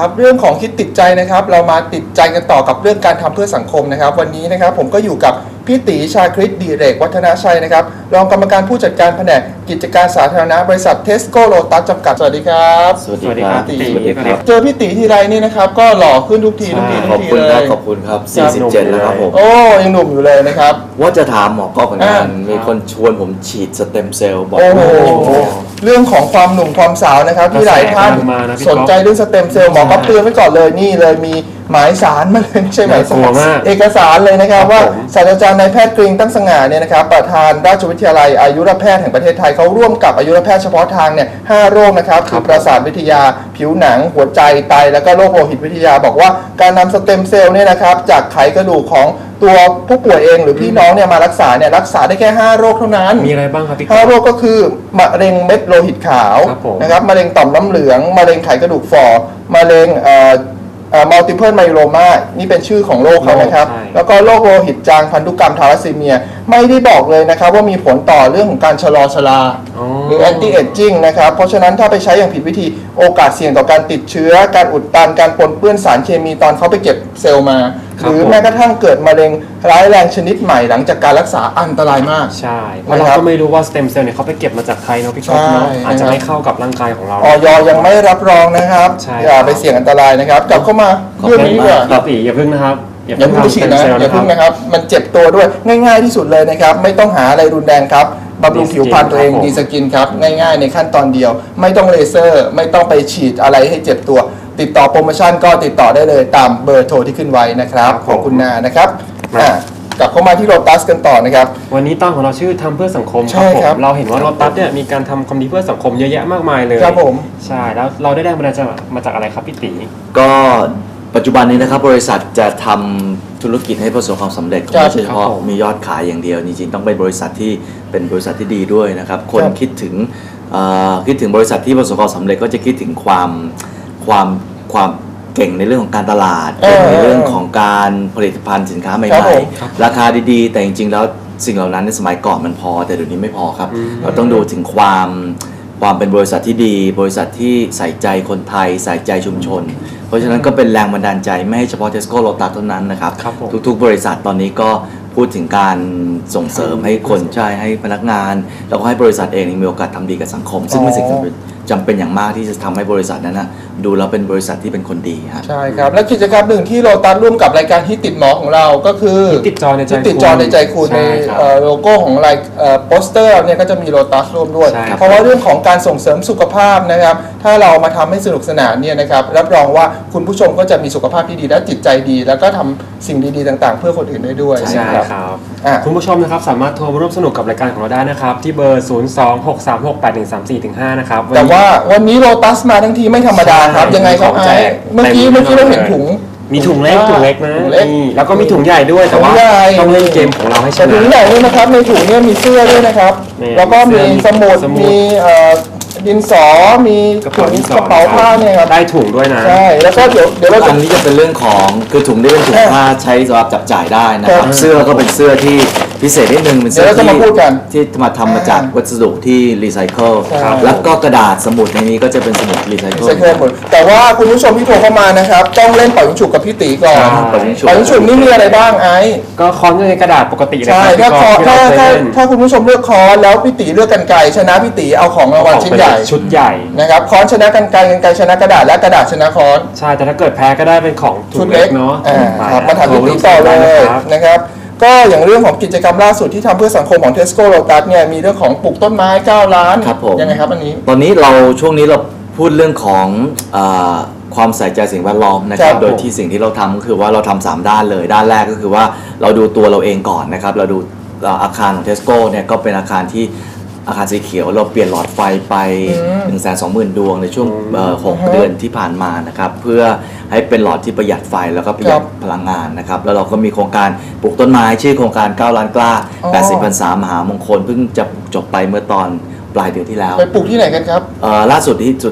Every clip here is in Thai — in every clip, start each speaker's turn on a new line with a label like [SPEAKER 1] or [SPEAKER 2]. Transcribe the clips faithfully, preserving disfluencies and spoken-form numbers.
[SPEAKER 1] ครับเรื่องของคิดติดใจนะครับเรามาติดใจกันต่อกับเรื่องการทำเพื่อสังคมนะครับวันนี้นะครับผมก็อยู่กับพี่ตีชาคริตดิเรกวัฒนชัยนะครับรองกรรมการผู้จัดการแผนกกิจการสาธารณะบริษัทเทสโก้โลตัสจำกัดสวัสดีครับ
[SPEAKER 2] สวัสดีครับ
[SPEAKER 1] พี่ตี
[SPEAKER 2] สวัสดีครับ
[SPEAKER 1] เจอพี่ตีทีไรนี่นะครับก็หล่อขึ้นทุกทีทุกที
[SPEAKER 2] ข
[SPEAKER 1] ทุ
[SPEAKER 2] อบ
[SPEAKER 1] กที
[SPEAKER 2] คุณ
[SPEAKER 1] เล
[SPEAKER 2] ครับ
[SPEAKER 1] ย
[SPEAKER 2] ขอบคุณครับสี่สิบเจ็ดแล้วครับผม
[SPEAKER 1] โอ้ยังหนุ่มอยู่เลยนะครับ
[SPEAKER 2] ว่าจะถามหมอก๊อฟเหมือนกัน
[SPEAKER 1] อ่ามี
[SPEAKER 2] มีคนชวนผมฉีดสเต็มเซลล์บอก
[SPEAKER 1] โอ้โห
[SPEAKER 2] ว่า
[SPEAKER 1] เรื่องของความหนุ่มความสาวนะครับที่หลายท่าน
[SPEAKER 3] กระแสกำลังมานะพี่
[SPEAKER 1] สนใจเรื่องสเต็มเซลล์หมอก็เตือนไว้ก่อนเลยนี่เลยมีหมายสารมาเลยไม่ใช่หมายสาร
[SPEAKER 3] น่ากลัวมาก
[SPEAKER 1] เอกสารเลยนะครับ
[SPEAKER 3] ครับ
[SPEAKER 1] ว่า
[SPEAKER 3] ผม
[SPEAKER 1] ศาสตราจารย์นายแพทย์กริงตั้งสง่าเนี่ยนะครับประธานราชวิทยาลัยอายุรแพทย์แห่งประเทศไทยเขาร่วมกับอายุรแพทย์เฉพาะทางเนี่ยห้าโรคนะครับคือประสาทวิทยาผิวหนังหัวใจไตแล้วก็โรคโลหิตวิทยาบอกว่าการนำสเต็มเซลล์เนี่ยนะครับจากไขกระดูกของตัวผู้ป่วยเองหรือพี่น้องเนี่ยมารักษาเนี่ยรักษาได้แค่ห้าโรคเท่านั้น
[SPEAKER 3] มีอะไรบ้างครับพี่
[SPEAKER 1] ห้าโรคก็คือมะเร็งเม็ดโลหิตขาว
[SPEAKER 3] ครับผม
[SPEAKER 1] นะครับมะเร็งต่อมน้ำเหลืองมะเร็งไขกระดูกฝ่อมะเร็งเอ่อเอ่อ multiple myeloma นี่เป็นชื่อของโรคเขานะครับ
[SPEAKER 3] ใช่
[SPEAKER 1] แล้วก็โรคโลหิตจางพันธุกรรมทาลัสซีเมียไม่ได้บอกเลยนะครับว่ามีผลต่อเรื่องของการชะลอชรา
[SPEAKER 3] อ๋อ
[SPEAKER 1] หรือ anti aging นะครับเพราะฉะนั้นถ้าไปใช้อย่างผิดวิธีโอกาสเสี่ยงต่อการติดเชื้อการอุดตันการปนเปื้อนสารเคมีตอนเขาไปเก็บเซลล์มา
[SPEAKER 3] ครั
[SPEAKER 1] ห
[SPEAKER 3] บ
[SPEAKER 1] รือ
[SPEAKER 3] ผม
[SPEAKER 1] แม้กระทั่งเกิดมะเร็งร้ายแรงชนิดใหม่หลังจากการรักษาอันตรายมาก
[SPEAKER 3] ใช่เพราะเรา
[SPEAKER 1] นะครับ
[SPEAKER 3] ก็ไม่รู้ว่าสเต็มเซลล์เนี่ยเขาไปเก็บมาจากใครเนาะพี่ก๊อฟเนาะ
[SPEAKER 1] ใช่
[SPEAKER 3] อาจจะไม่เข้ากับร่างกายของเรา
[SPEAKER 1] ออยยังไม่รับรองนะครับ
[SPEAKER 3] ใช่
[SPEAKER 1] อย่าไปเสี่ยงอันตรายนะครับกลับเข้ามาเรื่องนี้ดีกว่า
[SPEAKER 3] พี่ตีอย่าพึ่งนะครับ
[SPEAKER 1] อย่าเพิ่งไปฉีดนะ
[SPEAKER 3] ทำ stem cell
[SPEAKER 1] อย่าเพิ่งนะครับ มันเจ็บตัวด้วยง่ายๆที่สุดเลยนะครับ ไม่ต้องหาอะไรรุนแรงครับบำรุงผิวพรรณตัวเอง
[SPEAKER 3] ครับผม
[SPEAKER 1] ดีสกินครับ ง่ายๆในขั้นตอนเดียว ไม่ต้องเลเซอร์ ไม่ต้องไปฉีดอะไรให้เจ็บตัว ติดต่อโปรโมชั่นก็ติดต่อได้เลยตามเบอร์โทรที่ขึ้นไว้นะครับของคุณนานะครับอ่ะกลับเข้ามาที่โลตัสกันต่อนะครับ
[SPEAKER 3] วันนี้ตอนของเราชื่อทำเพื่อสังคม
[SPEAKER 1] ใช่
[SPEAKER 3] ผม
[SPEAKER 1] ครับ
[SPEAKER 3] เราเห็นว่าโลตัสเนี่ยมีการทำความดีเพื่อสังคมเยอะแยะมากมายเลย
[SPEAKER 1] ครับผม
[SPEAKER 3] ใช่แล้วเราได้แรงบันดาลใจมาจากอะไรครับพี่ตี
[SPEAKER 2] ก็ปัจจุบันนี้นะครับบริษัทจะทำธุรกิจให้ประสบความสำเร็จ
[SPEAKER 1] ครับ
[SPEAKER 2] ไม่ใช่เฉพาะ
[SPEAKER 3] ครับผม
[SPEAKER 2] มียอดขายอย่างเดียวจริงๆต้องเป็นบริษัทที่เป็นบริษัทที่ดีด้วยนะครับคน
[SPEAKER 1] ครับ
[SPEAKER 2] คิดถึงเอ่อคิดถึงบริษัทที่ประสบความสำเร็จก็จะคิดถึงความความความเก่งในเรื่องของการตลาด
[SPEAKER 1] เออ
[SPEAKER 2] ในเรื่องของการผลิตภัณฑ์สินค้าให
[SPEAKER 1] ครั
[SPEAKER 2] ม่
[SPEAKER 1] บผม
[SPEAKER 2] ๆราคาดีๆ แต่จริงๆแล้วสิ่งเหล่านั้นในสมัยก่อนมันพอแต่เดี๋ยวนี้ไม่พอครับ
[SPEAKER 3] อืม
[SPEAKER 2] เราต้องดูถึงความความเป็นบริษัทที่ดี บริษัทที่ใส่ใจคนไทยใส่ใจชุมชน เพราะฉะนั้นก็เป็นแรงบันดาลใจไม่ให้เฉพาะ Tesco Lotus เท่านั้นนะครับ
[SPEAKER 3] ครับผม
[SPEAKER 2] ทุกๆ บริษัทตอนนี้ก็พูดถึงการส่งเสริมให้คนใช่ให้พนักงาน แล้วก็ให้บริษัทเองมีโอกาสทำดีกับสังคม ซึ่งเป็นสิ่งจำเป็นจำเป็นอย่างมากที่จะทำให้บริษัทนั้นนะดูแล้วเป็นบริษัทที่เป็นคนดีฮะ
[SPEAKER 1] ใช่ครับ และกิจกรรมหนึ่งที่โลตัสร่วมกับรายการฮิตติดหมอของเราก็คือ
[SPEAKER 3] ฮิตติดจอในใจ
[SPEAKER 1] ฮิตติดจอในใจคุณใน
[SPEAKER 3] ใช่ครับ
[SPEAKER 1] เอ่อโลโก้ของรายเอ่อโปสเตอร์เนี่ยก็จะมีโลตัสร่วมด้วย
[SPEAKER 3] ใช่ครับ
[SPEAKER 1] เพราะว่าเรื่องของการส่งเสริมสุขภาพนะครับ ถ้าเรามาทำให้สนุกสนานเนี่ยนะครับรับรองว่าคุณผู้ชมก็จะมีสุขภาพที่ดีและจิตใจดี แล้วก็ทำสิ่งดีๆต่างๆ เพื่อคนอื่นได้ด้วย
[SPEAKER 3] ใช่
[SPEAKER 1] นะครับ
[SPEAKER 3] ครับ
[SPEAKER 1] อ่ะ
[SPEAKER 3] คุณผู้ชมนะครับสามารถโทรมาร่วมสนุกกับรายการของเราได้นะครับ ที่เบอร์ ศูนย์ สอง หก สาม หก แปด หนึ่ง สาม สี่ ห้า นะครับ
[SPEAKER 1] แต่ว่าวันนี้โลตัสมาทั้งทีไม่ธรรมดาครับ
[SPEAKER 3] ใช่
[SPEAKER 1] ยังไงครับ
[SPEAKER 3] มีของ
[SPEAKER 1] ไอ้
[SPEAKER 3] แจก
[SPEAKER 1] เมื่อกี้
[SPEAKER 3] เต็ม
[SPEAKER 1] เมื่อกี้เราเห็น
[SPEAKER 3] เลย
[SPEAKER 1] ถุง
[SPEAKER 3] มีถุงเล็กถุงเล็กนะ
[SPEAKER 1] ถุงเล็ก
[SPEAKER 3] นี่แล้วก็มีถุงใหญ่ด้วยแต่ว่า
[SPEAKER 1] ถุงใหญ่
[SPEAKER 3] ต้องเล่นเกมของเราให้ช
[SPEAKER 1] แต่
[SPEAKER 3] นะ
[SPEAKER 1] ถุงใหญ่ด้วยนะครับในถุงเนี่ยมีเสื้อด้วยนะครับ
[SPEAKER 3] นี่
[SPEAKER 1] แล้วก็มีสมุด
[SPEAKER 3] สมุด
[SPEAKER 1] มีเอ่อดินสอมี
[SPEAKER 3] กระ
[SPEAKER 1] ถุ
[SPEAKER 3] เป๋าง ดินสอก
[SPEAKER 1] ระเป๋าผ้าเนี่ยครับ
[SPEAKER 3] ได้ถุงด้วยนะ
[SPEAKER 1] ใช่แล้วก็เดี๋ยวเดี๋ยวเรา
[SPEAKER 2] อั
[SPEAKER 1] จะ
[SPEAKER 2] นนี้จะเป็นเรื่องของคือถุงที่เป็นถุงผ้าใช้สำหรับจับจ่ายได้นะค
[SPEAKER 1] ครั
[SPEAKER 2] รับบ เสื้อก็เป็นเสื้อที่พิเศษนิดนึงเป็นเสื้อ
[SPEAKER 1] เดี๋ยวเราจะ
[SPEAKER 2] ที่
[SPEAKER 1] มาพูดกัน
[SPEAKER 2] ที่มาทำมาจากวัสดุที่รีไซเคิล
[SPEAKER 1] ครับ
[SPEAKER 2] แล้วก็กระดาษสมุดในนี้ก็จะเป็นสมุดรีไซเคิล
[SPEAKER 1] ใส่เครื่องหมดแต่ว่าคุณผู้ชมที่โทรเข้ามานะครับต้องเล่นเป่ายิงฉุบกับพี่ตีก่อน
[SPEAKER 3] ใช่
[SPEAKER 2] เป่ายิงฉุบ
[SPEAKER 1] เป่ายิงฉุบนี่มีอะไรบ้างไอ้
[SPEAKER 3] ก็ค้อนในกระดาษปกติเลย
[SPEAKER 1] ใช่
[SPEAKER 3] ครับ
[SPEAKER 1] ถ้าคอ
[SPEAKER 3] ที่
[SPEAKER 1] ถ้า
[SPEAKER 3] เราเคย
[SPEAKER 1] ถ้า
[SPEAKER 3] เล่น
[SPEAKER 1] ถ้าคุณผู้ชมเลือกคอนแล้วพี่ตีเลือกกันไกรชนะพี่ตีเอาของรางวัลชิ้นใหญ่
[SPEAKER 3] ชุดใหญ่
[SPEAKER 1] นะครับคอนชนะกันไกรกันไกรชนะกระดาษและกระดาษชนะคอน
[SPEAKER 3] ใช่แต่ถ้าเกิดแพ้ก็ได้เป็นของถุ
[SPEAKER 1] ชุด
[SPEAKER 3] ง
[SPEAKER 1] เล็
[SPEAKER 3] เล็
[SPEAKER 1] ก
[SPEAKER 3] กเนาะ
[SPEAKER 1] อ่า
[SPEAKER 3] ไป
[SPEAKER 1] ครับมาถามพี่ติ๊กต่อเลย
[SPEAKER 3] นะครับ
[SPEAKER 1] นะครับ ก็อย่างเรื่องของกิจกรรมล่าสุดที่ทำเพื่อสังคมของ Tesco Lotus เนี่ยมีเรื่องของปลูกต้นไม้เก้าล้าน
[SPEAKER 2] ครับผม
[SPEAKER 1] ยังไงครับอันนี้
[SPEAKER 2] ตอนนี้เราช่วงนี้เราพูดเรื่องของเออความใส่ใจสิ่งแวดล้อมนะครั
[SPEAKER 1] ครับ บ
[SPEAKER 2] โดยที่สิ่งที่เราทำก็คือว่าเราทำสามด้านเลยด้านแรกก็คือว่าเราดูตัวเราเองก่อนนะครับเราดูเอ่ออาคารของ Tesco เนี่ยก็เป็นอาคารที่อาคารสีเขียวเราเปลี่ยนหลอดไฟไป
[SPEAKER 1] อืม
[SPEAKER 2] หนึ่งแสนสองหมื่นดวงในช่วงเอ่อหก
[SPEAKER 1] อือฮะ
[SPEAKER 2] เดือนที่ผ่านมานะครับเพื่อให้เป็นหลอดที่ประหยัดไฟแล้วก็ประหยัด
[SPEAKER 1] ครับ
[SPEAKER 2] พลังงานนะครับแล้วเราก็มีโครงการปลูกต้นไม้ชื่อโครงการเก้าล้านกล้า
[SPEAKER 1] อ๋อ
[SPEAKER 2] แปดสิบพรรษามหามงคลเพิ่งจะจบไปเมื่อตอนปลายเดือนที่แล้ว
[SPEAKER 1] ไปปลูกที่ไหนกันครับ
[SPEAKER 2] เอ่อล่าสุดที่สุดท้ายที่เราไป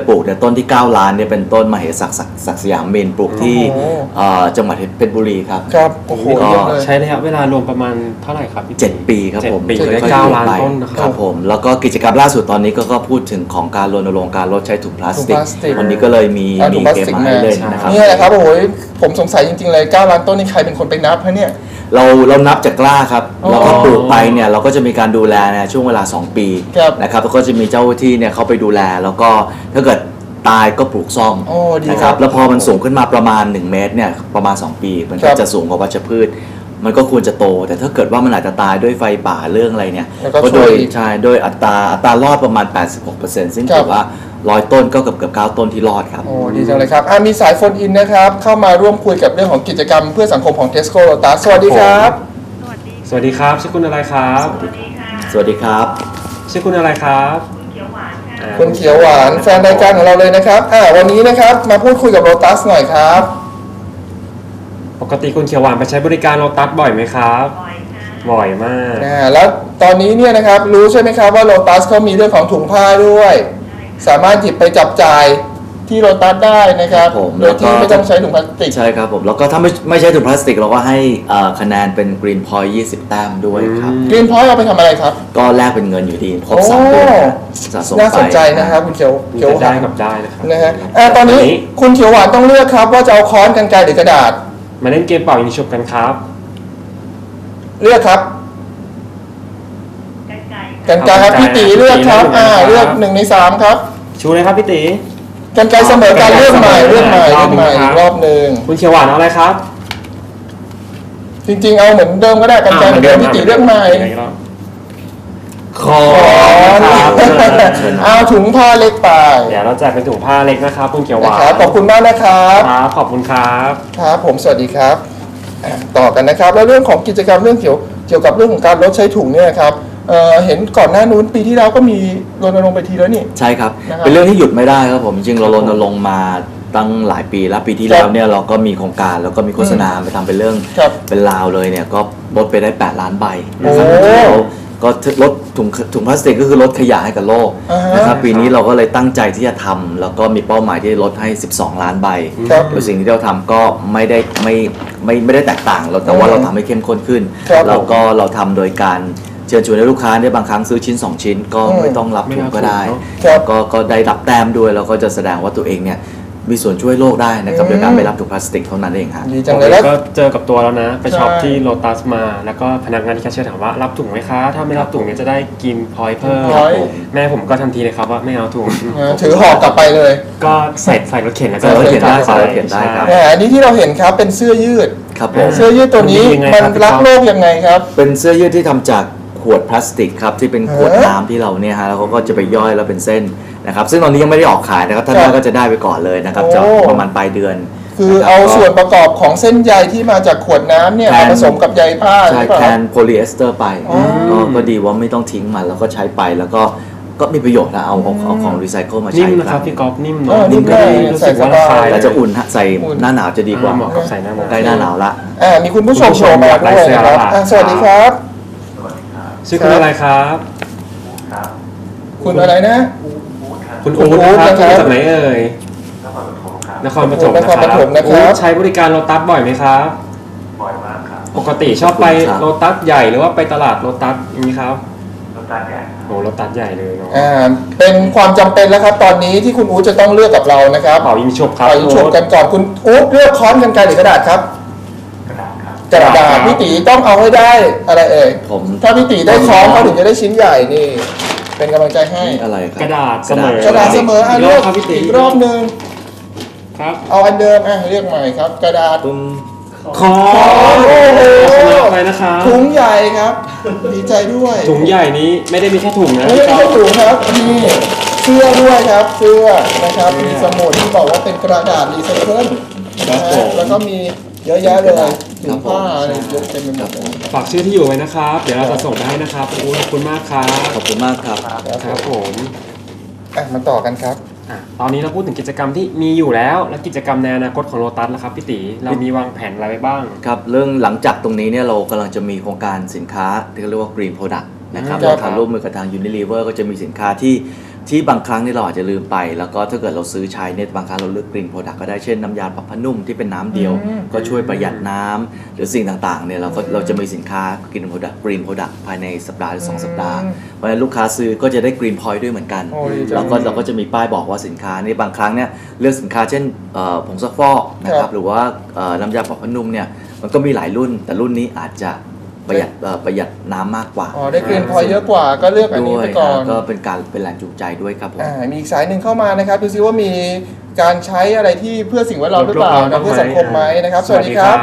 [SPEAKER 2] ปลูกเนี่ยต้นที่เก้าล้านเนี่ยเป็นต้นมเหศักดิ์ศักดิ์ศักดิ์สยามเมนปลูกที่
[SPEAKER 1] โอ้โห
[SPEAKER 2] เอ่อจังหวัดเพชรบุรีครับ
[SPEAKER 1] ครับโอ้โห
[SPEAKER 2] ก็
[SPEAKER 1] เยอะเลย
[SPEAKER 3] ใช้ระยะเวลารวมประมาณเท่าไหร่ครับพี่
[SPEAKER 2] เจ็ดปีครับผม
[SPEAKER 3] เจ็ดปี
[SPEAKER 2] ค่อยๆ
[SPEAKER 3] ได้เก้า
[SPEAKER 2] ปลู
[SPEAKER 3] ล้าน
[SPEAKER 2] ไป
[SPEAKER 3] ต้นนะครับ
[SPEAKER 2] ครับผมแล้วก็กิจกรรมล่าสุดตอนนี้ก็ก็พูดถึงของการรณรงค์การลดใช้ถุงพลาสติก
[SPEAKER 1] ถุงพลาสติก
[SPEAKER 2] วันนี้ก็เลยมี
[SPEAKER 1] อ่าถุ
[SPEAKER 2] มี
[SPEAKER 1] งพลาส
[SPEAKER 2] เกม
[SPEAKER 1] ติก
[SPEAKER 2] มาให้เล่น
[SPEAKER 3] มา
[SPEAKER 2] นะครับ
[SPEAKER 1] เนี่ยแหละครับโอ้โหผมสงสัยจริงๆเลยเก้าล้านต้นนี่ใครเป็นคนไปนับฮะเนี่ย
[SPEAKER 2] เราเรานับจากกล้าครับ
[SPEAKER 1] อ๋อ
[SPEAKER 2] แล้วก็ปลูกไปเนี่ยเราก็จะมีการดูแลในช่วงเวลาสองปี
[SPEAKER 1] ครับ
[SPEAKER 2] นะครับแล้วก็จะมีเจ้าหน้าที่เนี่ยเขาไปดูแลแล้วก็ถ้าเกิดตายก็ปลูกซ่อม
[SPEAKER 1] โอ้ดี
[SPEAKER 2] นะ
[SPEAKER 1] ค
[SPEAKER 2] ค
[SPEAKER 1] รั
[SPEAKER 2] รั
[SPEAKER 1] บบ
[SPEAKER 2] แล้วพอมันสูงขึ้นมาประมาณหนึ่งเมตรเนี่ยประมาณสองปีมัน
[SPEAKER 1] ค
[SPEAKER 2] ก็
[SPEAKER 1] รับ
[SPEAKER 2] จะสูงกว่าวัชพืช มันก็ควรจะโต แต่ถ้าเกิดว่ามันอาจจะตายด้วยไฟป่าเรื่องอะไรเนี่ย
[SPEAKER 1] แล้วก็
[SPEAKER 2] ก็โดย
[SPEAKER 1] ช่วย
[SPEAKER 2] ใช่โดยอัตราอัตรารอดประมาณ แปดสิบหกเปอร์เซ็นต์ ซึ่ง
[SPEAKER 1] ครับ
[SPEAKER 2] ถือว่าร้อยต้นก็เกือบเกือบเก้าต้นที่รอดครับ
[SPEAKER 1] โอ้ดีจังเลยครับอ่ะมีสายโฟนอินนะครับเข้ามาร่วมคุยกับเรื่องของกิจกรรมเพื่อสังคมของ Tesco Lotus สวัสดีครับ
[SPEAKER 4] สวัสดี
[SPEAKER 3] สวัสดีครับชื่อคุณอะไรครับ
[SPEAKER 4] สวัสดีค่ะ
[SPEAKER 2] สวัสดีครับ
[SPEAKER 3] ชื่อคุณอะไรครับ
[SPEAKER 4] คุณเขียวหวานค่ะ
[SPEAKER 3] อ่า
[SPEAKER 1] คุณเขียวหวานแฟนรายการของเราเลยนะครับอ่าวันนี้นะครับมาพูดคุยกับโ o ตัสหน่อยครับ
[SPEAKER 3] ปกติคุณเขียวหวานไปใช้บริการโลตัสบ่อยไหมครับ
[SPEAKER 4] บอยค่ะ
[SPEAKER 3] บ่อยมาก
[SPEAKER 1] อ่าแล้วตอนนี้เนี่ยนะครับรู้ใช่ไหมครับว่าโ o ตัสเขามีเรื่องของถุงผ้าด้วย สามารถหยิบไปจับจ่ายที่โ o ตัสได้นะครับ
[SPEAKER 2] ผม
[SPEAKER 1] โดยที่
[SPEAKER 2] แล้วก็
[SPEAKER 1] ไม่ต้องใช้ถุงพลาสติก
[SPEAKER 2] ใช่ครับผมแล้วก็ถ้าไม่ไม่ใช่ถุงพลาสติกเราก็ให้เอ่อคะแนนเป็น Green Point ยี่สิบแต้มด้วยครับ
[SPEAKER 3] อืม
[SPEAKER 1] กรีนพอยต์เอาไปทำอะไรครับ
[SPEAKER 2] ก็แลกเป็นเงินอยู่ดีครบ
[SPEAKER 1] โอ้
[SPEAKER 2] สามเดือนนะสะสมไป
[SPEAKER 1] น่าสนใจนะครับคุณเขียว
[SPEAKER 3] มี
[SPEAKER 1] เขียว
[SPEAKER 3] แต่
[SPEAKER 1] ห
[SPEAKER 3] ได้
[SPEAKER 1] วาน
[SPEAKER 3] กับได้นะครับ
[SPEAKER 1] นะฮะอ่าตอนนี้คุณเขียวหวานต้องเลือกครับว่าจะเอาค้อนกรรไกรหรือกระดาษ
[SPEAKER 3] มาเล่นเกมเป่ายิงฉุบกันครับ
[SPEAKER 1] เลือกครับ
[SPEAKER 4] กันไก่
[SPEAKER 1] กรรไกรครับพี่ตีเลือกครับอ่าเลือกหนึ่งในสามครับ
[SPEAKER 3] ชูเลยครับพี่ตี
[SPEAKER 1] กรรไกรเสมอการเลือกใหม่เลือกใหม่เลือกใหม่อีกรอบหนึ่ง
[SPEAKER 3] คุณเขียวหวานเอาอะไรครับ
[SPEAKER 1] จริงๆเอาเหมือนเดิมก็ได้กรรไกรเหมือนเดิมพี่ตีเลือกใหม่
[SPEAKER 3] ขอ
[SPEAKER 1] ครับ
[SPEAKER 3] เชิญ
[SPEAKER 1] เอาถุงผ้าเล็กไป
[SPEAKER 3] เดี๋ยวเราแจกเป็นถุงผ้าเล็กนะครับคุณเขียวห
[SPEAKER 1] นะ
[SPEAKER 3] วาน
[SPEAKER 1] ครับขอบคุณมากนะครับ
[SPEAKER 3] ครับขอบคุณครับ
[SPEAKER 1] ครับผมสวัสดีครับอ่ะต่อกันนะครับ แล้วเรื่องของกิจกรรมเรื่องเกี่ยวเกี่ยวกับเรื่องของการลดใช้ถุงเนี่ยครับเอ่อเห็นก่อนหน้านู้นปีที่แล้วก็มีรณรงค์ไปทีแล้วนี่
[SPEAKER 2] ใช่ครับ
[SPEAKER 1] นะครับ
[SPEAKER 2] เป็นเรื่องที่หยุดไม่ได้ครับผมจริงๆเรารณรงค์มาตั้งหลายปีแล้วปีที่
[SPEAKER 1] ครับ
[SPEAKER 2] แล้วเนี่ยเราก็มีโครงการแล้วก็มีโฆษณาไปทำเป็นเรื่อง
[SPEAKER 1] ครับ
[SPEAKER 2] เป็นราวเลยเนี่ยก็ลดไปได้แปดล้านใบนะครับ
[SPEAKER 1] โอ้
[SPEAKER 2] แล้วก็ลดถุงถุงพลาสติกก็คือลดขยะให้กับโลก
[SPEAKER 1] อ่าฮะ
[SPEAKER 2] นะครับปีนี้เราก็เลยตั้งใจที่จะทำแล้วก็มีเป้าหมายที่จะลดให้ สิบสอง ล้านใบ
[SPEAKER 1] ครับ
[SPEAKER 2] โดยสิ่งที่เราทำก็ไม่ได้ไม่ไม่ไม่ได้แตกต่างเราแต่ว่าเราทำให้เข้มข้นขึ้น
[SPEAKER 1] ครับ
[SPEAKER 2] แล้วก็เราทำโดยการเชิญชวนให้ลูกค้าเนี่ยบางครั้งซื้อชิ้น สอง ชิ้น ก็
[SPEAKER 1] อืม
[SPEAKER 2] ไม่ต้องรับถุงก็ได้
[SPEAKER 3] ไม่รับถุงเนอะ
[SPEAKER 1] ครับ
[SPEAKER 2] ก็ก็ได้รับแต้มด้วยแล้วก็จะแสดงว่าตัวเองเนี่ยมีส่วนช่วยโลกได้นะครับ
[SPEAKER 1] อืม
[SPEAKER 2] โดยการไม่รับถุงพลาสติกเท่านั้นเองฮะ
[SPEAKER 1] ดีจังเลยแล้ว
[SPEAKER 3] ก็เจอกับตัวแล้วนะ ไปช็อป
[SPEAKER 1] ใช่
[SPEAKER 3] ที่โลตัสมา แล้วก็พนักงานที่แคชเชียร์ถามว่ารับถุงไหมคะ ถ้าไม่รับถุงเนี่ยจะได้กินพอยต์เพิ่ม
[SPEAKER 1] พอยต์
[SPEAKER 3] แม่ผมก็ทันทีเลยครับว่าไม่เอาถุง
[SPEAKER 1] เออถือห่อกลับไปเลย
[SPEAKER 3] ก็ใส่ใส่รถเข็นแล้วก็
[SPEAKER 2] ใส่รถเข็นได้
[SPEAKER 3] ป
[SPEAKER 2] ใส่รถเข็นได้ครับ
[SPEAKER 1] แหมอันนี้ที่เราเห็นครับเป็นเสื้อยืด
[SPEAKER 2] ครับผม
[SPEAKER 1] เสื้อยืดตัวนี้
[SPEAKER 3] มันดียังไง
[SPEAKER 1] มัน
[SPEAKER 3] ครับพี่
[SPEAKER 1] รัก
[SPEAKER 3] ก๊อฟ
[SPEAKER 1] โลกยังไงครับ
[SPEAKER 2] เป็นเสื้อยืดที่ทำจากขวดพลาสติกครับที่เป็นขวด
[SPEAKER 1] เออ
[SPEAKER 2] น้ำที่เราเนี่ยฮะแล้วเขาก็จะไปย่อยแล้วเป็นเส้นนะครับซึ่งตอนนี้ยังไม่ได้ออกขายนะครับท่าน
[SPEAKER 1] ครับ
[SPEAKER 2] แรกก็จะได้ไปก่อนเลยนะครับ
[SPEAKER 1] โอ้
[SPEAKER 2] จะประมาณปลายเดือน
[SPEAKER 1] คือ
[SPEAKER 2] นะครับ
[SPEAKER 1] เอา
[SPEAKER 2] ก็
[SPEAKER 1] ส่วนประกอบของเส้นใยที่มาจากขวดน้ำเนี่ย
[SPEAKER 2] แท
[SPEAKER 1] มาน ผสมกับใยผ้า
[SPEAKER 2] ใช่
[SPEAKER 1] หรือเปล่า
[SPEAKER 2] แทนโพลีเอสเตอร์ไป
[SPEAKER 1] อ๋อ
[SPEAKER 2] ก็ก็ดีว่าไม่ต้องทิ้งมันแล้วก็ใช้ไปแล้วก็ก็มีประโยชน์นะเอาเอาเอาของรีไซเคิลมา
[SPEAKER 3] นิ่
[SPEAKER 2] ใช้
[SPEAKER 3] มนะครับพี่ก๊อฟนิ่ม
[SPEAKER 1] เอ
[SPEAKER 3] เนาะ
[SPEAKER 1] อนิ่ม
[SPEAKER 3] ก็
[SPEAKER 1] ได้
[SPEAKER 3] รู้สึกว่า
[SPEAKER 1] ใส่สบาย
[SPEAKER 3] ราคา
[SPEAKER 2] แต่จะอุ่นฮะใส่
[SPEAKER 1] อุ่น
[SPEAKER 2] หน้าหนาวจะดีกว่า
[SPEAKER 3] เหมาะกับใส่หน้าหนาว
[SPEAKER 2] ใกล้หน้าหนาวละ
[SPEAKER 1] อ่ามีคุณผู้ชมโทรมาด้วยนะครับอ่ะสวัสดีครับ
[SPEAKER 3] ชื่อคุณอะไรครับ
[SPEAKER 1] คุณอะไรนะ
[SPEAKER 3] คุณ
[SPEAKER 1] คุณ
[SPEAKER 3] อู๊ด
[SPEAKER 1] อู๊ด
[SPEAKER 3] นะครับ
[SPEAKER 1] นะครับ
[SPEAKER 3] จากไหนเอ่ยนครปฐม
[SPEAKER 1] น
[SPEAKER 3] นะ
[SPEAKER 1] ค
[SPEAKER 3] ค
[SPEAKER 1] ร
[SPEAKER 3] รับ
[SPEAKER 1] ปฐมนะครับ
[SPEAKER 3] อู๊ดใช้บริการโลตัสบ่อยไหมครับ
[SPEAKER 5] บ่อยมากครับ
[SPEAKER 3] ปกติชอบไป
[SPEAKER 2] ขอบคุณครับ
[SPEAKER 3] โลตัสใหญ่หรือว่าไปตลาดโลตัสอย่างนี้ครับ
[SPEAKER 5] รถตัดใหญ่
[SPEAKER 3] โหโลตัสใหญ่เลยเนาะ
[SPEAKER 1] อ่าเป็นความจำเป็นแล้วครับ ตอนนี้ที่คุณอู๊ดจะต้องเลือกกับเรานะครับ
[SPEAKER 3] เป่ายิงฉุบครับ
[SPEAKER 1] ไปชมกันก่อนคุณอู๊ดเลือกค้อนกันไกรหรือกระดาษครับ
[SPEAKER 5] กระดาษครับ
[SPEAKER 1] กระดาษพี่ตีต้องเอาให้ได้อะไรเอ่ย
[SPEAKER 2] ผม
[SPEAKER 1] ถ้าพี่ตีได้ค้อนเขาถึงจะได้ชิ้นใหญ่นี่ เป็นกำลังใจให้
[SPEAKER 2] นี่อะไรครับ
[SPEAKER 3] กระดาษเสมอก
[SPEAKER 1] ระดาษเสมออ่ะ
[SPEAKER 3] อีกร
[SPEAKER 1] เลื
[SPEAKER 3] อ
[SPEAKER 1] อบ ก
[SPEAKER 3] ครับพี่ตี
[SPEAKER 1] อีกรอบหนึ่ง
[SPEAKER 3] ครับ
[SPEAKER 1] เอาอันเดิมอ่ะเรียกใหม่ครับ กระดาษ
[SPEAKER 2] ปึ้ม
[SPEAKER 3] คอ
[SPEAKER 1] โอ้โห
[SPEAKER 3] ชนะไปนะครับ
[SPEAKER 1] ถุงใหญ่ครับ ดีใจด้วย
[SPEAKER 3] ถุงใหญ่นี้ไม่ได้มีแค่ถุงนะ
[SPEAKER 1] ไม่ได้แค่ถุงครับมีเสื้อด้วยครับเสื้อนะครับมีสมุดที่บอกว่าเป็นกระดาษรีไซเคิลนะฮะแล้วก็มีเยอะแยะเลยถุงผ้าอะไรเยอะเต็มไปหมดเลย
[SPEAKER 3] ฝากชื่อที่อยู่ไว้นะครับ เดี๋ยวเราจะส่งไปให้นะครับอู๊ดขอบคุณมากครับ
[SPEAKER 2] ขอบคุณมากครับ
[SPEAKER 3] ครับผม
[SPEAKER 1] อ่ะมาต่อกันครับ
[SPEAKER 3] อ่ะตอนนี้เราพูดถึงกิจกรรมที่มีอยู่แล้ว และกิจกรรมในอนาคตของโลตัสแล้วครับพี่ตีเรามีวางแผนอะไรไว้บ้าง
[SPEAKER 2] ครับเรื่องหลังจากตรงนี้เนี่ยเรากำลังจะมีโครงการสินค้าที่เขาเรียกว่า Green Product นะครับ
[SPEAKER 1] ครับ
[SPEAKER 2] เราทำร่วมมือกับทาง Unilever ก็จะมีสินค้าที่ที่บางครั้งนี่เราอาจจะลืมไป แล้วก็ถ้าเกิดเราซื้อใช้เนี่ยบางครั้งเราเลือก Green Product ก็ได้เช่นน้ำยาปรับผ้านุ่มที่เป็นน้ำเดียว
[SPEAKER 1] อืม
[SPEAKER 2] ก็ช่วยประหยัดน้ำหรือสิ่งต่างๆเนี่ยเราก็เราจะมีสินค้า Green Product Green Product ภายในสัปดาห์หรือสองสัปดาห์เพราะฉะนั้นลูกค้าซื้อก็จะได้ Green Point ด้วยเหมือนกัน
[SPEAKER 1] โอ้ดีจัง
[SPEAKER 2] แล้วก็เราก็จะมีป้ายบอกว่าสินค้านี่บางครั้งเนี่ยเลือกสินค้าเช่นเอ่อผงซักฟอกนะค
[SPEAKER 1] ครั
[SPEAKER 2] รับบ หรือว่าเอ่อน้ำยาปรับผ้านุ่มเนี่ยมันก็มีหลายรุ่น แต่รุ่นนี้อาจจะประหยัดเอ่อประหยัดน้ำมากกว่า
[SPEAKER 1] อ๋อได้เกรนพอยเยอะกว่าก็เลือกอันนี้
[SPEAKER 2] ด้ว
[SPEAKER 1] ไป
[SPEAKER 2] ย
[SPEAKER 1] ก่อน
[SPEAKER 2] ก็เป็นการเป็นแรงจูงใจด้วยครับผม
[SPEAKER 1] อ่ามีอีกสายหนึ่งเข้ามานะครับดูซิว่ามีการใช้อะไรที่เพื่อสิ่งแวดล้อมหรือเปล่านะเพื่อสังคมไหมนะครับ สวัสดีครับ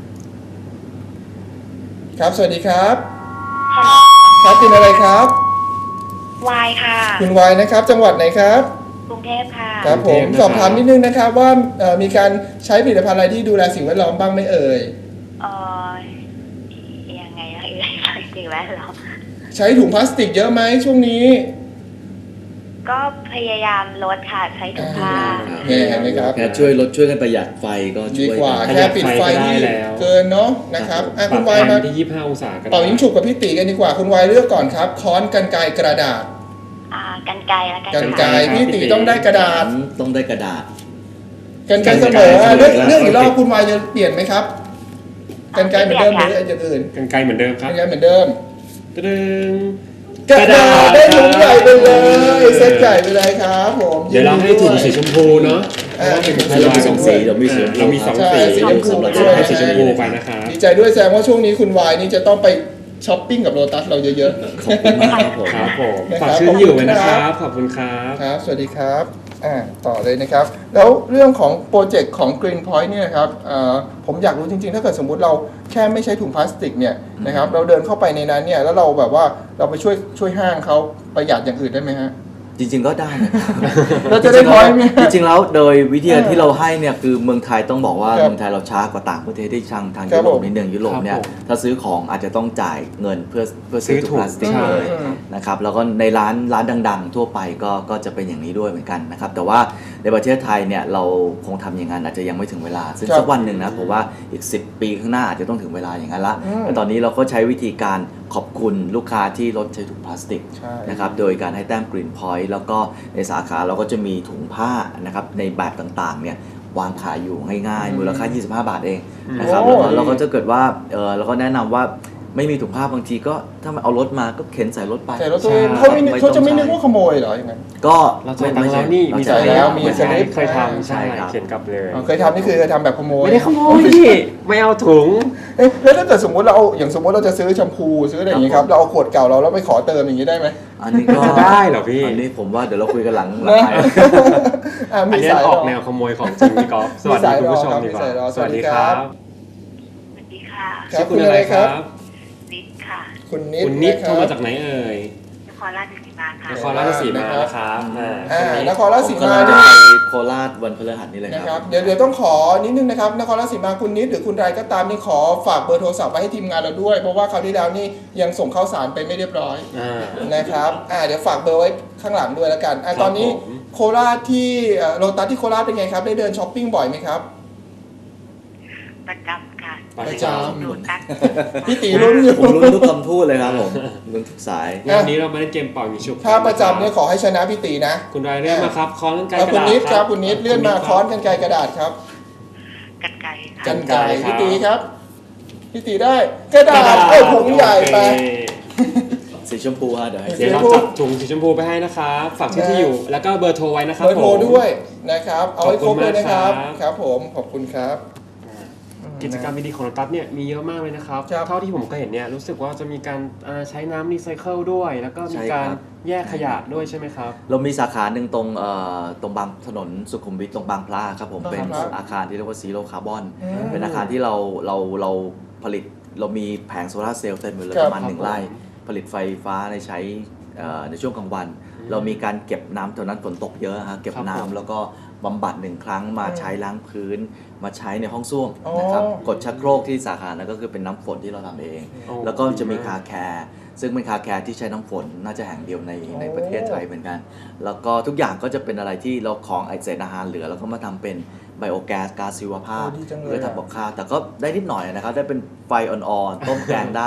[SPEAKER 1] ครับ สวัสดีครับ ครับเป็นอะไรครับ
[SPEAKER 4] วายค่ะ
[SPEAKER 1] คุณวายนะครับ จังหวัดไหนครับ
[SPEAKER 4] กรุงเทพค่ะ
[SPEAKER 1] ครับผม
[SPEAKER 3] กรุงเทพนะครับ
[SPEAKER 1] สอบถามนิดนึงนะครับว่าเอ่อมีการใช้ผลิตภัณฑ์อะไรที่ดูแลสิ่งแวดล้อมบ้างไหมเอ่ย
[SPEAKER 4] เออยังไงอะเอ่ยสิ่งแวดล้อม
[SPEAKER 1] ใช้ถุงพลาสติกเยอะไหมช่วงนี้
[SPEAKER 4] ก็พยายามลดค่ะ ใช้ถุงผ้า
[SPEAKER 1] เนี่ยเห็นไหมครับ
[SPEAKER 2] แค่ช่วยลดช่วยกันประหยัดไฟก็
[SPEAKER 1] ดี
[SPEAKER 2] ช่วย
[SPEAKER 1] กว่า
[SPEAKER 2] กัน
[SPEAKER 1] แค่ปิดไฟที่เกินเนาะนะครับอ่ะ
[SPEAKER 3] ป
[SPEAKER 1] คุ
[SPEAKER 3] รับ
[SPEAKER 1] ณวาย
[SPEAKER 3] แอ
[SPEAKER 1] มา
[SPEAKER 3] ร์ที่ยี่สิบห้าองศาก็ได้
[SPEAKER 1] เป่ายิงฉุบกับพี่ตีกันดีกว่าคุณวายเลือกก่อนครับ ค้อนกรรไกรกระดาษ
[SPEAKER 4] อ่ากันไกลแล้วกัน
[SPEAKER 1] กรรไกร
[SPEAKER 4] ค่ะ
[SPEAKER 1] พี่ตีต้องได้กระดาษ
[SPEAKER 2] ต้องได้กระดาษ
[SPEAKER 1] กรรไกรเสมออ่ะเลือกเลือกอีกรอบคุณวายจะเปลี่ยนไหมครับกรรไกรเหมือนเดิมหรืออย่างอื่น
[SPEAKER 3] กันไกลเหมือนเดิมค
[SPEAKER 1] ก
[SPEAKER 3] รั
[SPEAKER 1] ร
[SPEAKER 3] บ
[SPEAKER 1] รไกรเหมือนเดิม
[SPEAKER 3] กระดึง
[SPEAKER 1] กระดาษได้ถุงใหญ่ไปเลย
[SPEAKER 3] ครับ
[SPEAKER 1] เซตใหญ่ไปเลยครับผม
[SPEAKER 3] เดี๋ยวเราให้ถุงสีชมพูเนาะเพ
[SPEAKER 1] อ่า
[SPEAKER 3] ราะว่าเป็นของ
[SPEAKER 2] เรามีสองสีเรามีสี
[SPEAKER 3] เรามีสอง
[SPEAKER 1] ใช่
[SPEAKER 3] สี
[SPEAKER 1] สีชมพู
[SPEAKER 3] สำหรับ
[SPEAKER 1] ด้วย
[SPEAKER 3] ให้สีชมพูไปนะครับ
[SPEAKER 1] ดีใจด้วยแสดงว่าช่วงนี้คุณวายนี่จะต้องไปช้อปปิ้งกับโลตัสเราเยอะ
[SPEAKER 2] ขอบคุณมากครับผม
[SPEAKER 3] ครับผม
[SPEAKER 1] นะครับ
[SPEAKER 3] ฝากชื่อที่อยู่ไว้นะค
[SPEAKER 1] ขอบคุณครั
[SPEAKER 3] รับ บ ขอบคุณครับ
[SPEAKER 1] ๆครับสวัสดีครับอ่าต่อเลยนะครับ แล้วเรื่องของโปรเจกต์ของ Green Point เนี่ยนะครับอ่าผมอยากรู้จริงๆ ถ้าเกิดสมมุติเราแค่ไม่ใช้ถุงพลาสติกเนี่ยนะครับเราเดินเข้าไปในนั้นเนี่ยแล้วเราแบบว่าเราไปช่วยช่วยห้างเขาประหยัดอย่างอื่นได้ไหมฮะ
[SPEAKER 2] จริง ๆ ก็ได้นะครับ
[SPEAKER 1] เราจะได้ point ไหม
[SPEAKER 2] จริงๆแล้วโดยวิธี
[SPEAKER 1] เออ
[SPEAKER 2] ที่เราให้เนี่ยคือเมืองไทยต้องบอกว่า
[SPEAKER 1] ครับ
[SPEAKER 2] เมืองไทยเราช้ากว่าต่างประเทศที่ทางทาง
[SPEAKER 1] ครั
[SPEAKER 2] ยุ
[SPEAKER 1] บ
[SPEAKER 2] โรป
[SPEAKER 1] ผม
[SPEAKER 2] นิดนึงยุโรปเนี่ย
[SPEAKER 3] ครับผม
[SPEAKER 2] ถ้าซื้อของอาจจะต้องจ่ายเงินเพื่อเพื่อซื้อ
[SPEAKER 3] ซื้อ
[SPEAKER 2] ถุงพลาสติก
[SPEAKER 3] ถุง
[SPEAKER 2] เลย
[SPEAKER 1] อืม
[SPEAKER 2] นะครับแล้วก็ในร้านร้านดังๆ ทั่วไปก็ก็จะเป็นอย่างนี้ด้วยเหมือนกันนะครับแต่ว่าในประเทศไทยเนี่ยเราคงทำอย่างนั้นอาจจะยังไม่ถึงเวลา ซึ่ง
[SPEAKER 1] ครับ
[SPEAKER 2] สักวันหนึ่งนะผมว่าอีกสิบปีข้างหน้าอาจจะต้องถึงเวลาอย่างนั้นละ
[SPEAKER 1] อืม
[SPEAKER 2] แต่ตอนนี้เราก็ใช้วิธีการขอบคุณลูกค้าที่ลดใช้ถุงพลาสติก
[SPEAKER 1] ใช่
[SPEAKER 2] นะครับโดยการให้แต้ม Green Point แล้วก็ในสาขาเราก็จะมีถุงผ้านะครับในแบบต่างๆเนี่ยวางขายอยู่ง่ายๆ มูลค่า ยี่สิบห้า บาทเองนะครับ
[SPEAKER 1] โอ้
[SPEAKER 2] แล้วก็เราก็จะเกิดว่าเออเราก็แนะนำว่าไม่มีถุงผ้าบางทีก็ถ้ามันเอารถมาก็เข็นใส่รถไป
[SPEAKER 1] ใส่รถตัวเอง
[SPEAKER 3] ใช่
[SPEAKER 1] เขาไม่นึก
[SPEAKER 2] ไม่
[SPEAKER 1] เขาจะไม่
[SPEAKER 2] ต้อง
[SPEAKER 1] นึก
[SPEAKER 2] ใช้
[SPEAKER 1] ว่าขโมยเหรออย่างนั้น
[SPEAKER 2] ก็
[SPEAKER 3] เราจ่ายตังค์แล้วนี่
[SPEAKER 2] เรา
[SPEAKER 3] มี
[SPEAKER 2] จ่าย
[SPEAKER 1] จ่ายแล้วมี
[SPEAKER 3] เหอน
[SPEAKER 1] สลิป
[SPEAKER 3] เคยทำใช่
[SPEAKER 2] ใช่ครับ
[SPEAKER 3] เขียนกลับเลย
[SPEAKER 1] อ๋อเคยทำนี่คือเคยทำแบบขโมย
[SPEAKER 3] ไม่ได้ขโมยพี่ไม่เอาถุง
[SPEAKER 1] เอ๊ะแล้วถ้าเกิดสมมติเราเอาอย่างสมมติเราจะซื้อแชมพูซื้ออะไรอย่างนี้ครับเราเอาขวดเก่าเราแล้วไปขอเติมอย่างนี้ได้ไหม
[SPEAKER 2] อันนี้ก็
[SPEAKER 3] จะได้เหรอพี่
[SPEAKER 2] อันนี้ผมว่าเดี๋ยวเราคุยกันหลังหลัง
[SPEAKER 1] นะ
[SPEAKER 2] ไมค์
[SPEAKER 1] อ่ะ
[SPEAKER 3] อั
[SPEAKER 1] มี
[SPEAKER 3] นนี้
[SPEAKER 1] สาย
[SPEAKER 3] อ
[SPEAKER 1] ร
[SPEAKER 3] อก
[SPEAKER 1] อ
[SPEAKER 3] แนวขโมยของจริงพี่กอล์ฟสวัสดีคุณผู้ชมดีกว่า
[SPEAKER 1] มีสายรอ
[SPEAKER 3] สวัสดีค
[SPEAKER 1] สวัสดีครั
[SPEAKER 3] รับ บ
[SPEAKER 4] สวัสดีค่ะ
[SPEAKER 1] ครั
[SPEAKER 3] ชื่
[SPEAKER 1] บ
[SPEAKER 3] อคุณอะไรครับ
[SPEAKER 4] นิดค่ะ
[SPEAKER 1] คุณนิด
[SPEAKER 3] คุณนิด
[SPEAKER 1] ะค
[SPEAKER 3] โท
[SPEAKER 1] บ
[SPEAKER 3] รมาจากไหนเอ่ย
[SPEAKER 4] นครราชสีมาค่ะ
[SPEAKER 3] นครราชสีมานะครับอ่า
[SPEAKER 1] อ่า
[SPEAKER 3] คนนี้
[SPEAKER 1] นครราชสี
[SPEAKER 2] ผม
[SPEAKER 1] มาก
[SPEAKER 2] ำลังจะ
[SPEAKER 1] นี่
[SPEAKER 2] ไปโคราชวันพฤหัสนี่เลย
[SPEAKER 1] นะค
[SPEAKER 2] ค
[SPEAKER 1] รั
[SPEAKER 2] รั
[SPEAKER 1] บบ เดี๋ยวเดี๋ยวต้องขอนิดนึงนะครับนครราชสีมาคุณนิดหรือคุณไรก็ตามนี่ขอฝากเบอร์โทรศัพท์ไว้ให้ทีมงานเราด้วยเพราะว่าคราวที่แล้วนี่ยังส่งข้าวสารไปไม่เรียบร้อย
[SPEAKER 3] อ่า
[SPEAKER 1] นะครับอ่าเดี๋ยวฝากเบอร์ไว้ข้างหลังด้วยแล้วกันอ่ะ
[SPEAKER 3] ครับ
[SPEAKER 1] ตอนนี้
[SPEAKER 3] ผม
[SPEAKER 1] โคราชที่เอ่อโลตัสที่โคราชเป็นไงครับได้เดินช้อปปิ้งบ่อยไหมครับ
[SPEAKER 4] ประจำค่ะ
[SPEAKER 3] ประจำ
[SPEAKER 4] ดูตัก
[SPEAKER 1] พี่ตีรุ่นอยู่
[SPEAKER 2] ผมลุ้นทุกคำพูดเลยครับผมลุ้นทุกสาย
[SPEAKER 3] งานนี้เรามาเล่นเกมเป่ายิงฉุบ
[SPEAKER 1] ถ้าประจำเนี่ยขอให้ชนะพี่ตีนะ
[SPEAKER 3] คุณรายเลื่อนมาครับค้อนกันไกล
[SPEAKER 1] เอา
[SPEAKER 3] ก
[SPEAKER 1] คุ
[SPEAKER 3] ระ
[SPEAKER 1] ณ
[SPEAKER 3] ดาษ
[SPEAKER 1] นิดค
[SPEAKER 3] ค
[SPEAKER 1] รั
[SPEAKER 3] รั
[SPEAKER 1] บบ คุณนิดเลื่อนมาค้อนกันไกรกระดาษครับ
[SPEAKER 4] กันไกลค่ะ
[SPEAKER 1] กันไกร
[SPEAKER 3] ครับ
[SPEAKER 1] พี่ตีครับพี่ตีได้กระดาษเอ้ยถุงใหญ่ไป
[SPEAKER 3] โอเค
[SPEAKER 2] สีชมพูฮะเดี๋ยวให้
[SPEAKER 3] เดี๋ยวเราจัดถุงสีชมพูไปให้นะครับฝากชื่อที่อยู่ แล้วก็เบอร์โทรไว้นะครับ
[SPEAKER 1] เบอร์โทร
[SPEAKER 3] ผม
[SPEAKER 1] ด้วยนะครับเอาให้ครบเลยนะครับ
[SPEAKER 3] ขอบคุณมากครับ
[SPEAKER 1] ครับผมขอบคุณครับ
[SPEAKER 3] กิจกรรมดีๆของโลตัสเนี่ยมีเยอะมากเลยนะครับ
[SPEAKER 1] ครับ
[SPEAKER 3] เท่าที่ผมเคยเห็นเนี่ยรู้สึกว่าจะมีการอ่าใช้น้ำรีไซเคิลด้วย แล้วก็มีการแยกขยะด้วยใช่ไหมครับ
[SPEAKER 2] เรามีสาขาหนึ่งตรงเอ่อตรงบางถนนสุขุมวิทตรงบางพลาครับผม
[SPEAKER 1] บางพลา
[SPEAKER 2] เป็นอาคารที่เรียกว่าซีโร่คาร์บอน
[SPEAKER 1] อืม
[SPEAKER 2] เป็นอาคารที่เราเราเราผลิตเรามีแผงโซลาร์เซลล์เต็มไปเลย
[SPEAKER 1] ครับ
[SPEAKER 2] ประมาณหนึ่ง
[SPEAKER 3] ครับ
[SPEAKER 2] ไร่ผลิตไฟฟ้าในใช้เอ่อในช่วงกลางวัน
[SPEAKER 3] อืม
[SPEAKER 2] เรามีการเก็บน้ำตอนนั้นฝนตกเยอะฮะเก็บ
[SPEAKER 3] ครับ
[SPEAKER 2] น้ำ
[SPEAKER 3] ผม
[SPEAKER 2] แล้วก็บำบัดหนึ่งครั้งมา
[SPEAKER 1] อืม
[SPEAKER 2] ใช้ล้างพื้น มาใช้ในห้องส้วมนะครับ
[SPEAKER 1] อ๋อก
[SPEAKER 2] ดชักโครกที่สาขานั้นก็คือเป็นน้ำฝนที่เราทำเอง
[SPEAKER 3] โอ้
[SPEAKER 2] แล้วก็จะมี
[SPEAKER 3] ดี
[SPEAKER 2] คาแคร์ซึ่งเป็นคาแคร์ที่ใช้น้ำฝนน่าจะแห่งเดียวในในประเทศไทยเหมือนกัน แล้วก็ทุกอย่างก็จะเป็นอะไรที่เราของไอเศษอาหารเหลือแล้วก็มาทำเป็นไบโอแก๊สก๊าซชีวภาพ
[SPEAKER 1] โอ้ดีจังเลย
[SPEAKER 2] เพื่อทำกับข้าวแต่ก็ได้นิดหน่อยนะครับ ได้เป็นไฟอ่อนๆ ต้มแกงได้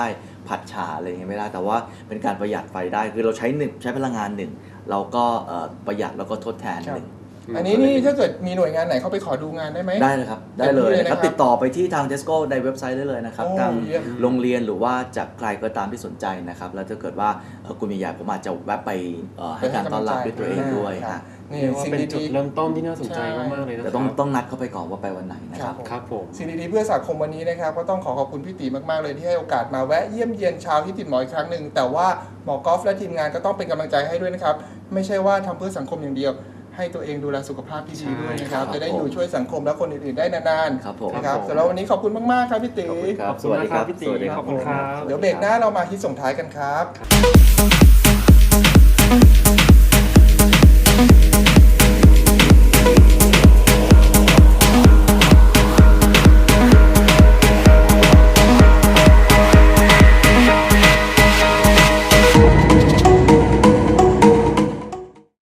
[SPEAKER 2] ผัดฉ่าอะไรอย่างเงี้ยไม่ได้แต่ว่าเป็นการประหยัดไฟได้คือเราใช้หนึ่งใช้พลังงานหนึ่งเราก็เอ่อประหยัดแล้วก็ทดแทนหนึ่ง
[SPEAKER 1] อันนี้นี่ถ้าเกิดมีหน่วยงานไหนเข้าไปขอดูงานได้ไหม
[SPEAKER 2] ได้เลยครับได้เลย
[SPEAKER 1] ได้เลย
[SPEAKER 2] นะครับ
[SPEAKER 1] นะครับ
[SPEAKER 2] ติดต่อไปที่ทาง Tesco ในเว็บไซต์ได้เลยนะครับ
[SPEAKER 1] โอ้
[SPEAKER 2] ทาง
[SPEAKER 1] เยี่ยม
[SPEAKER 2] โรงเรียนหรือว่าจากใครก็ตามที่สนใจนะครับแล้วถ้าเกิดว่าเอ่อคุณมีอยากผมอาจจะแวะไปเอ่อให้การต้อนรับด้วยตัวเองด้วย
[SPEAKER 1] ครั
[SPEAKER 2] ฮะ
[SPEAKER 1] บนี่
[SPEAKER 3] เรียกว่า
[SPEAKER 1] สิ่ง
[SPEAKER 3] เป็นจุด
[SPEAKER 1] ดีๆ
[SPEAKER 3] เริ่มต้นที่น่าสนใจ
[SPEAKER 1] ใช่
[SPEAKER 3] มากๆเลยนะค
[SPEAKER 2] แต่
[SPEAKER 3] รับ
[SPEAKER 2] ต้องต้องนัดเข้าไปก่อนว่าไปวันไหนนะครับ
[SPEAKER 3] ครับผม
[SPEAKER 1] สิ่งดีๆเพื่อสังคมวันนี้นะครับก็ต้องขอขอบคุณพี่ตีมากๆเลยที่ให้โอกาสมาแวะเยี่ยมเยียนชาวที่ติดหมออีกครั้งหนึ่งแต่ว่าหมอกอล์ฟและทีมงานก็ต้องเป็นกำลังใจให้ด้วยนะครับไม่ใช่ว่าทำเพื่อสังคมอย่างเดียว ให้ตัวเองดูแลสุขภาพที่ดีด้วยนะครับ
[SPEAKER 2] ใช่ครับ
[SPEAKER 1] จะได้อยู่ช่วยสังคมและคนอื่นๆได้นาน
[SPEAKER 2] ครับผม
[SPEAKER 1] ๆนะครับ
[SPEAKER 3] ครับผม
[SPEAKER 1] สำหรับวันนี้ขอบคุณมากๆครับพี่ตี
[SPEAKER 2] ขอบคุณครับ
[SPEAKER 3] ขอบคุณมากครับพี่ตี
[SPEAKER 2] สวัสดีครับ
[SPEAKER 3] ขอบคุณครับ
[SPEAKER 1] เดี๋ยวเบรกหน้าเรามาฮิตส่งท้ายกันครับ